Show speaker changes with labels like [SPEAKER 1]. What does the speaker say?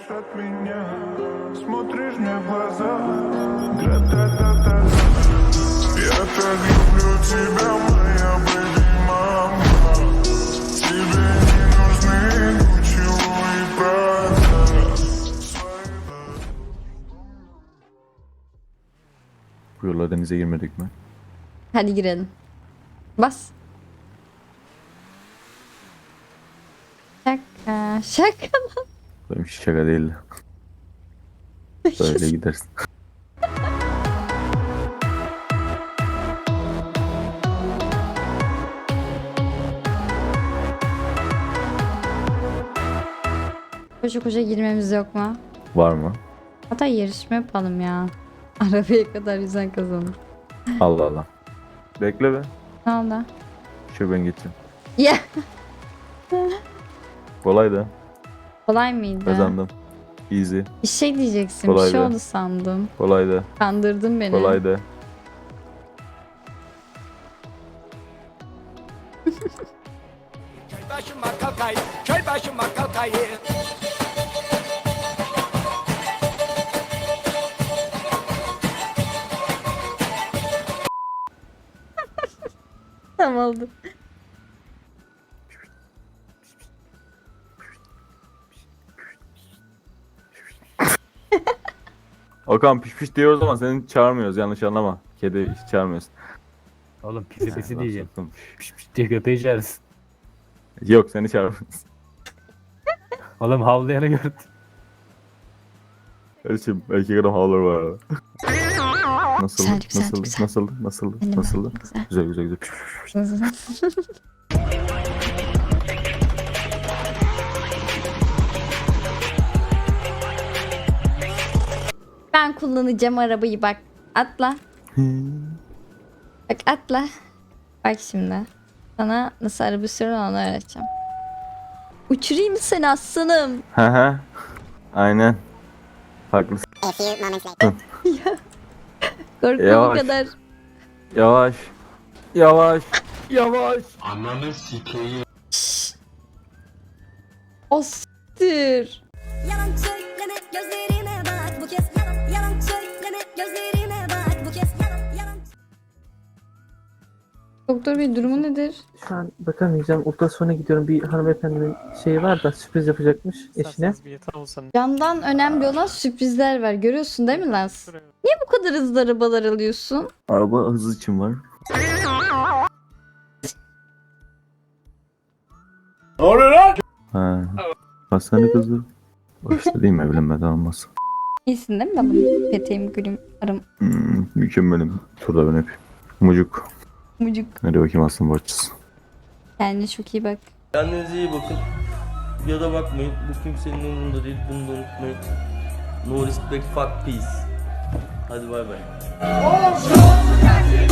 [SPEAKER 1] от меня, смотришь мне в глаза, гра-та-та-та. Я так люблю тебя, моя baby мама. Тебе не нужны Gucci и Prada.
[SPEAKER 2] Bu yolla denize girmedik mi?
[SPEAKER 3] Hadi girelim. Bas. Şaka. Şaka lan.
[SPEAKER 2] Benim hiç şaka değildi. Böyle gidersin.
[SPEAKER 3] Koşa koşa girmemiz yok mu?
[SPEAKER 2] Var mı?
[SPEAKER 3] Hatta yarışma yapalım ya. Arabaya kadar yüzen kazanır.
[SPEAKER 2] Allah Allah. Bekle be.
[SPEAKER 3] Ne oldu?
[SPEAKER 2] Şu ben geçeyim.
[SPEAKER 3] Ya.
[SPEAKER 2] Kolay da.
[SPEAKER 3] Kolay mıydı?
[SPEAKER 2] Kazandım. Easy.
[SPEAKER 3] Bir şey diyeceksin. Bir
[SPEAKER 2] Kolaydı.
[SPEAKER 3] şey oldu sandım.
[SPEAKER 2] Kolay da.
[SPEAKER 3] Kandırdın beni.
[SPEAKER 2] Kolay da.
[SPEAKER 4] Köy başıma kalkayım, köy başıma kalkayım.
[SPEAKER 3] Tamam oldu.
[SPEAKER 2] Okan piş piş diyoruz ama seni çağırmıyoruz, yanlış anlama. Kedi hiç çağırmıyoruz.
[SPEAKER 5] Oğlum pisi pisi
[SPEAKER 2] Laf
[SPEAKER 5] diyeceğim.
[SPEAKER 2] soktum.
[SPEAKER 5] Piş piş diye köpeği çağırırsın.
[SPEAKER 2] Yok, seni çağırmıyoruz.
[SPEAKER 5] Oğlum havlayanı gördüm.
[SPEAKER 2] Kardeşim erkek adam havlar var arada. Nasıldı?
[SPEAKER 3] Güzel, güzel,
[SPEAKER 2] Nasıldı?
[SPEAKER 3] güzel.
[SPEAKER 2] Nasıldı? Nasıldı?
[SPEAKER 3] Benim
[SPEAKER 2] Nasıldı?
[SPEAKER 3] güzel.
[SPEAKER 2] Güzel güzel güzel. Piş, piş, piş.
[SPEAKER 3] Ben kullanacağım arabayı bak. Atla. Bak atla. Bak şimdi. Sana nasıl araba sürülür onu öğreteceğim. Uçurayım mı seni aslanım?
[SPEAKER 2] Hı hı. Aynen. Haklısın.
[SPEAKER 3] Korkma o
[SPEAKER 2] Yavaş.
[SPEAKER 3] kadar.
[SPEAKER 2] Yavaş. Yavaş. Yavaş.
[SPEAKER 3] Şşş. O s**tir.
[SPEAKER 6] Yalan söyleme gözlerime bak bu kez yalan yalan söyleme gözlerime bak bu kez yalan yalan.
[SPEAKER 3] Doktor bey durumu nedir?
[SPEAKER 7] Şu an bakamayacağım. Ultrasona gidiyorum. Bir hanımefendinin şeyi var da sürpriz yapacakmış eşine.
[SPEAKER 3] Candan önemli olan sürprizler var. Görüyorsun değil mi Laz? Niye bu kadar hızlı arabalar alıyorsun?
[SPEAKER 2] Araba hızı için var.
[SPEAKER 4] Ne oluyor lan?
[SPEAKER 2] Ha. Hastane kızı. Başta değil mi evlenmeden olmaz.
[SPEAKER 3] İyisin değil mi balım? Peteğim, gülüm, arım,
[SPEAKER 2] Mükemmelim. Turda ben hep. Mucuk.
[SPEAKER 3] mucuk.
[SPEAKER 2] Hadi bakayım aslan bahçesi.
[SPEAKER 3] Kendine çok iyi bak.
[SPEAKER 8] Kendinize iyi bakın. Ya da bakmayın. Bu kimsenin umurunda değil. Bunu da unutmayın. No respect, fuck peace. Hadi bay bay.